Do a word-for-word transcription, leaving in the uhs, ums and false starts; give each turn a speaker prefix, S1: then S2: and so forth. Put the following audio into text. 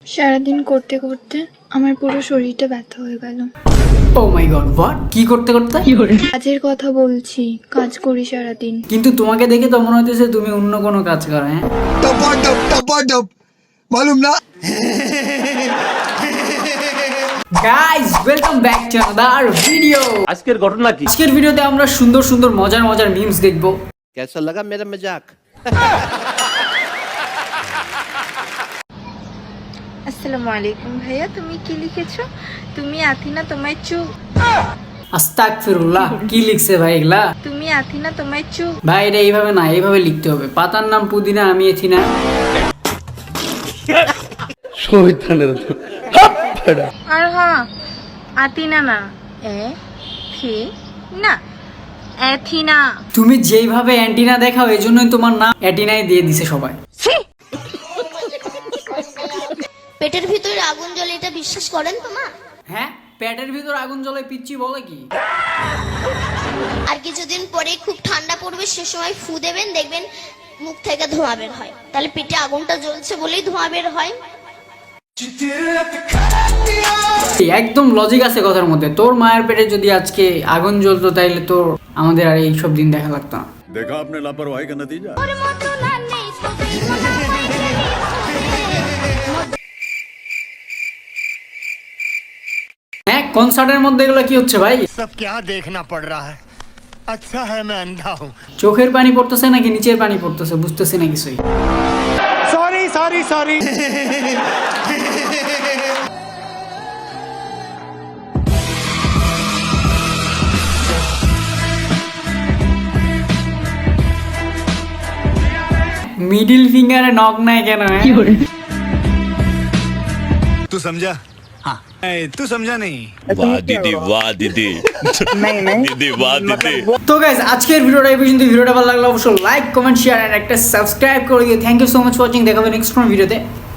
S1: সারাদিন করতে করতে আমার পুরো শরীরটা ব্যথা হয়ে গেল।
S2: Oh my God, what? কি করতে করতে?
S1: কাজের কথা বলছি, কাজ করি সারাদিন।
S2: কিন্তু তোমাকে দেখে তো মনে হইতেছে তুমি অন্য কোনো কাজ করো। হ্যাঁ,
S3: टपाटप टपाटप मालूम ना।
S2: Guys, welcome back to another video.
S4: আজকের ঘটনা কি?
S2: আজকের ভিডিওতে আমরা সুন্দর সুন্দর মজার মজার মিমস দেখবো।
S4: कैसा लगा मेरा मजाक?
S1: আসসালামু আলাইকুম ভাইয়া, তুমি কি লিখেছো? তুমি আথিনা তোমায় চু
S2: আস্তাগফিরুল্লাহ, কি লিখছে ভাই এগুলা?
S1: তুমি আথিনা তোমায় চু
S2: ভাই এটা এইভাবে না, এইভাবে লিখতে হবে। পাতার নাম পুদিনা, আমি এথিনা।
S1: আর হ্যাঁ, আতিনা না, এ থি না, এথিনা।
S2: তুমি যেইভাবে অ্যান্টিনা দেখাও এই জন্যই তোমার নাম অ্যাটিনাই দিয়ে দিছে সবাই।
S5: পেটের ভিতরে আগুন জ্বলে, এটা বিশ্বাস করেন তো মা?
S2: হ্যাঁ, পেটের ভিতর আগুন জ্বলে পিচ্চি বলে কি?
S5: আর কিছুদিন পরে খুব ঠান্ডা পড়বে, সে সময় ফু দেবেন, দেখবেন মুখ থেকে ধোঁয়া বের হয়। তাহলে পেটে আগুনটা জ্বলছে বলেই ধোঁয়া বের হয়।
S2: একদম লজিক আছে কথার মধ্যে। তোর মায়ের পেটে যদি আজকে আগুন জ্বলতো তাইলে তোর আমাদের আর এইসব দিন দেখা লাগতো না।
S6: देखा आपने लापरवाही का नतीजा।
S2: হ্যাঁ, কনসার্টের মধ্যে এগুলো কি হচ্ছে ভাই?
S7: सब क्या देखना पड़ रहा है। अच्छा है मैं अंधा हूँ।
S2: চোখের পানি পড়তেছে নাকি নিচের পানি পড়তেছে বুঝতেছি না কিছুই।
S7: Sorry sorry sorry.
S2: মিডিল ফিঙ্গারে নক নাই কেন? হ্যাঁ,
S7: तू समझा? हाँ। तू समझा नहीं।
S6: वाह दीदी वाह दीदी
S7: नहीं नहीं
S6: दीदी वाह दीदी।
S2: তো গাইস, আজকের ভিডিওটা এই পর্যন্ত। ভিডিওটা ভালো লাগলে অবশ্যই লাইক কমেন্ট শেয়ার এন্ড একটা সাবস্ক্রাইব করে দিও। Thank you so much for watching. দেখা হবে নেক্সট কোন ভিডিওতে।